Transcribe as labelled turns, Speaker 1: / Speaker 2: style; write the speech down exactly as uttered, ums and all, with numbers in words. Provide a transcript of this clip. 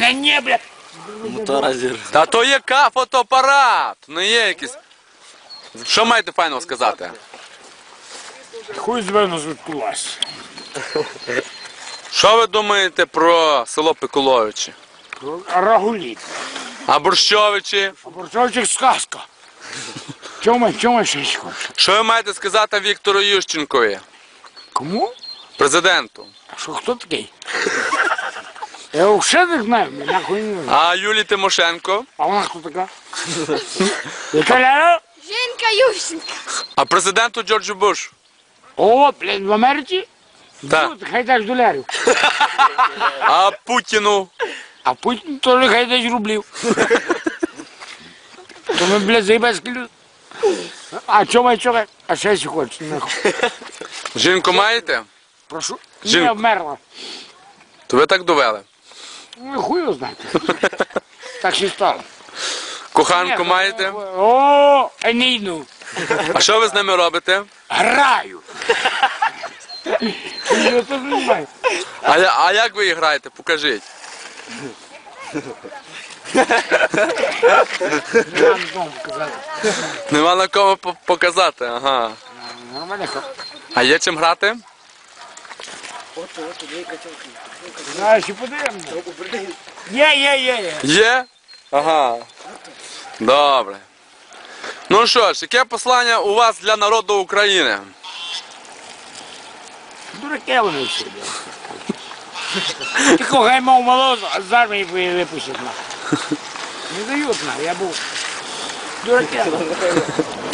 Speaker 1: мене ні, бля.
Speaker 2: Мотора зір.
Speaker 3: Та то є ка фотоапарат, не є якийсь. Що маєте файного сказати?
Speaker 1: Хуй зверну звідкулась.
Speaker 3: Що ви думаєте про село Пикуловичі?
Speaker 1: Рагуліт.
Speaker 3: А Борщовичі?
Speaker 1: А Борчовчик сказка. Чому, чому ще ще хочеш?
Speaker 3: Що ви маєте сказати Віктору Ющенкові,
Speaker 1: Кому?
Speaker 3: президенту?
Speaker 1: А що, хто такий? Я взагалі не знаю, мене нахуй не знаю.
Speaker 3: А Юлії Тимошенко?
Speaker 1: А вона хто така? Яка ляля?
Speaker 4: Женька Ющенко.
Speaker 3: А президенту Джорджу Бушу?
Speaker 1: О, блядь, в Америці?
Speaker 3: Так.
Speaker 1: Ну, хай дасть долярів.
Speaker 3: А Путіну?
Speaker 1: А Путін теж хай дасть рублів. То ми, блядь, заїбацькі люди. А чому, чому? А ще ще хочеш, нахуй.
Speaker 3: Жінку маєте?
Speaker 1: Прошу.
Speaker 3: Жінку.
Speaker 1: Не вмерла.
Speaker 3: То ви так довели.
Speaker 1: Ну, хуй його знаєте. Так ще стало.
Speaker 3: Коханку маєте?
Speaker 1: О, Енійну.
Speaker 3: А що ви з ними робите?
Speaker 1: Граю. Я теж не знаю.
Speaker 3: А, я- а як ви її граєте? Покажіть.
Speaker 1: Вам дом казати.
Speaker 3: Нема на кому по- показати, ага.
Speaker 1: Нормально.
Speaker 3: А є чим грати?
Speaker 1: Знаєш, і подивимося. Є, є, є, є.
Speaker 3: Є? Ага. Добре. Ну що ж, яке послання у вас для народу України?
Speaker 1: Дураки вони всі. Тільки хай мав молозу, а з армії випустять нахуй. Не дають нахуй, я був. Дураки.